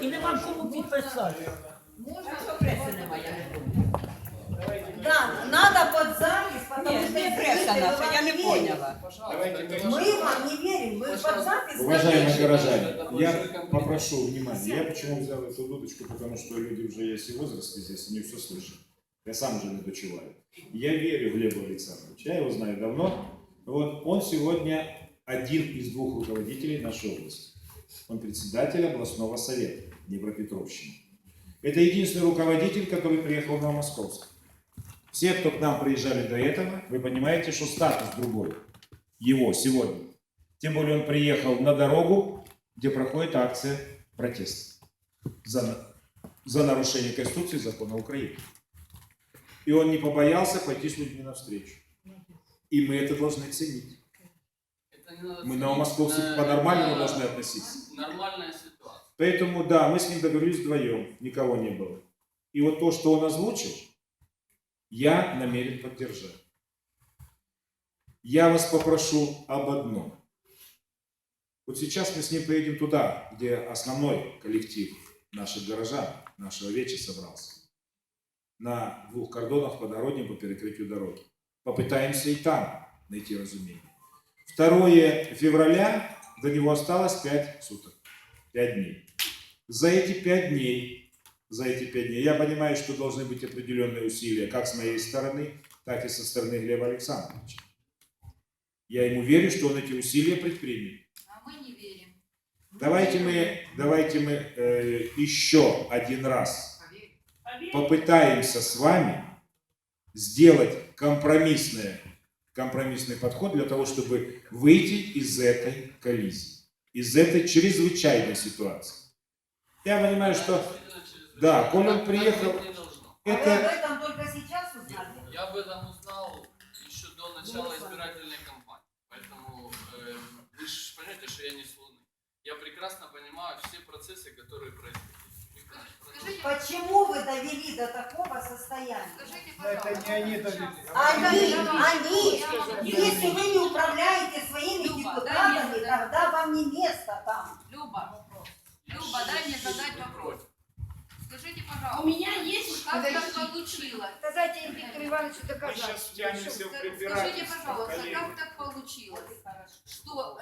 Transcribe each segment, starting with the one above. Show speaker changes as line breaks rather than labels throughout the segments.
і нема кому підписати.
Можно, что прессы немає, я не помню.
Да, надо под запись, потому
Нет,
что
не пресса наша, я не поняла.
Мы вам не верим, мы под запись.
Уважаемые
напишем.
горожане, я попрошу внимания. Я почему взял эту дудочку, потому что люди уже есть и в возрасте здесь, они все слышат. Я сам уже не дочеваю. Я верю Глебу Александровичу, я его знаю давно. Вот он сегодня один из двух руководителей нашей области. Он председатель областного совета Днепропетровщины. Это единственный руководитель, который приехал в Новомосковск. Все, кто к нам приезжали до этого, вы понимаете, что статус другой. Его сегодня. Тем более он приехал на дорогу, где проходит акция протеста за нарушение Конституции и закона Украины. И он не побоялся пойти с людьми навстречу. И мы это должны ценить. Мы новомосковцы по-нормальному должны относиться.
Нормальная ситуация.
Поэтому, да, мы с ним договорились вдвоем, никого не было. И вот то, что он озвучил, я намерен поддержать. Я вас попрошу об одном. Вот сейчас мы с ним поедем туда, где основной коллектив наших горожан, нашего веча собрался. На двух кордонах по дороге, по перекрытию дороги. Попытаемся и там найти разумение. 2 февраля, до него осталось 5 суток, 5 дней. За эти 5 дней, я понимаю, что должны быть определенные усилия, как с моей стороны, так и со стороны Глеба Александровича. Я ему верю, что он эти усилия предпримет.
А мы не верим.
Давайте мы еще один раз попытаемся с вами сделать компромиссный подход для того, чтобы выйти из этой коллизии, из этой чрезвычайной ситуации. Я понимаю, что, да, коль он приехал,
Вы об
это...
этом только сейчас узнали?
Я об этом узнал еще до начала избирательной кампании. Поэтому вы же понимаете, что я не с Луны. Я прекрасно понимаю все процессы, которые происходят.
Скажите,
Почему вы довели до такого состояния?
скажите,
Это
пожалуйста.
не они довели.
Они, если вы не управляете своими депутатами, тогда вам не место там.
Люба, дай мне задать вопрос. Скажите, пожалуйста.
У меня есть...
Как так получилось?
Дайте Виктору Ивановичу
Мы
доказать.
сейчас втянемся в
Скажите,
препирательство,
пожалуйста,
коллеги.
как так получилось, что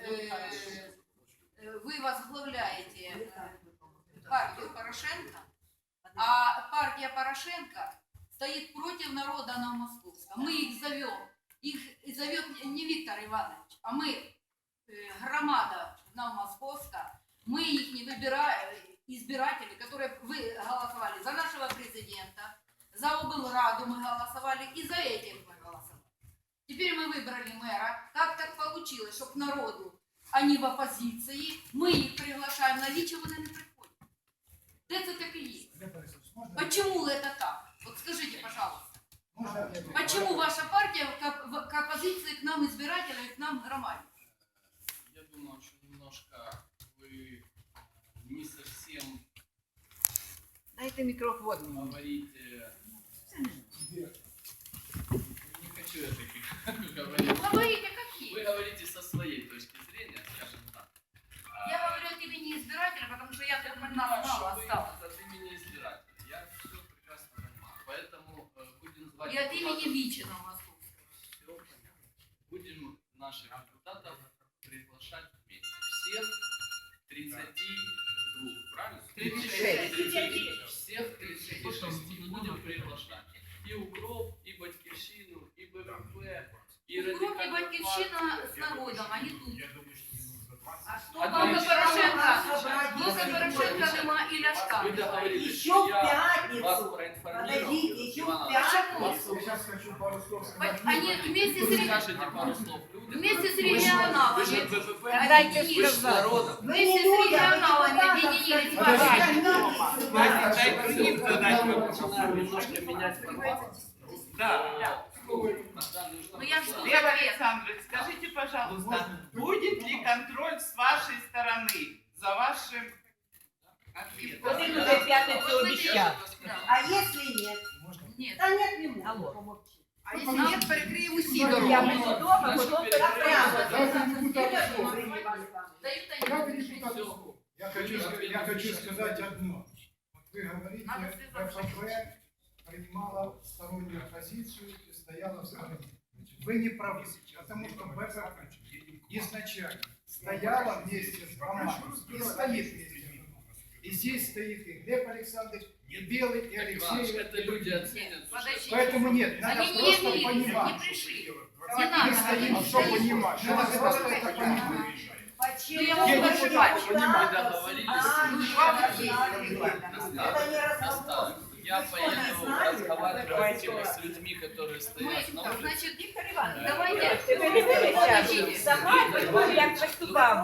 вы возглавляете партию Порошенко, а партия Порошенко стоит против народа Новомосковска. Мы их зовет не Виктор Иванович, а мы, громада Новомосковска, мы их не выбираем, избиратели, которые вы голосовали за нашего президента, за облраду мы голосовали и за этих мы голосовали. Теперь мы выбрали мэра. Как так получилось, что к народу они в оппозиции, мы их приглашаем на личи, вони не приходят. Это так и есть. Почему это так? Вот скажите, пожалуйста. Почему ваша партия к оппозиции, к нам избирателям и к нам громаде?
Я думаю, что немножко вы не совсем
Дайте микрофон.
говорите... Не хочу я таких говорить.
Говорите, какие?
Вы говорите со своей точки зрения, скажем так.
Я говорю от имени избирателя, потому что я так
понимаю,
мало
что
осталось.
вы от имени избирателя. Я все прекрасно понимаю. Поэтому будем звать...
И от имени
депутатов.
Вичина московского.
Все понятно. Будем наших депутатов приглашать вместе. Всех 32, правильно?
36.
Всех 36 будем приглашать. И УКРОП, и Батьківщину, и БПП, и
Укроп и
Радикальную
Батьківщина
партию.
с народом, они тут.
А что
А
вам
дальше?
Блока Порошенка нема і Ляшка.
Вы договорились,
Еще
что
в
я
пятницу.
вас проинформировал.
Подождите, еще
Иван
в
Иванович.
пятницу.
Сейчас хочу пару слов сказать.
Они вместе
Вы
с
скажете пару слов людям.
Вместе с
Вы же
регионалами.
БПП,
Дайте
вы же с
сказать.
народом.
Вы
Вместе
не
с
люди, а
регионалами
депутаты.
объединились в
Подождите,
вашей.
подождите.
Мы начинаем немножко менять формат.
Да.
Ну я жду
Лев
ответ.
Александрович, скажите, пожалуйста, будет ли контроль с вашей стороны за вашим ответом?
Вот это уже в пятницу обещал.
А если нет?
Нет.
Да нет, не может.
Алло.
Помолчи.
А если нет, перекрием усі
Я
дороги.
буду дома,
Значит,
потом
перекроем.
прямо.
Дайте депутату слово.
Дают они.
Дайте депутату слово. Я хочу сказать одно. Вот вы говорите,
Надо связаться.
ФФП принимала стороннюю позицию и стояла в стороне. Вы не правы, потому что ФФП изначально стояла вместе с командой и стоит вместе. И здесь стоит и Глеб Александрович, и Белый, и
Иванович,
Алексей.
это люди оценят.
Подождите.
Поэтому нет, надо
Они не
просто
явились, не
понимать.
пришли.
Мы
Не надо
стоим,
говорить.
что понимать. Надо просто это понимать.
Почему
Я вам
депутатов
скажу,
мы договорились.
Это не разговор.
Наставник, я поеду разговаривать с людьми, которые стоят на улице.
Значит,
Віктор Іванович,
давайте.
ти не
Подождите.
сама, як виступав.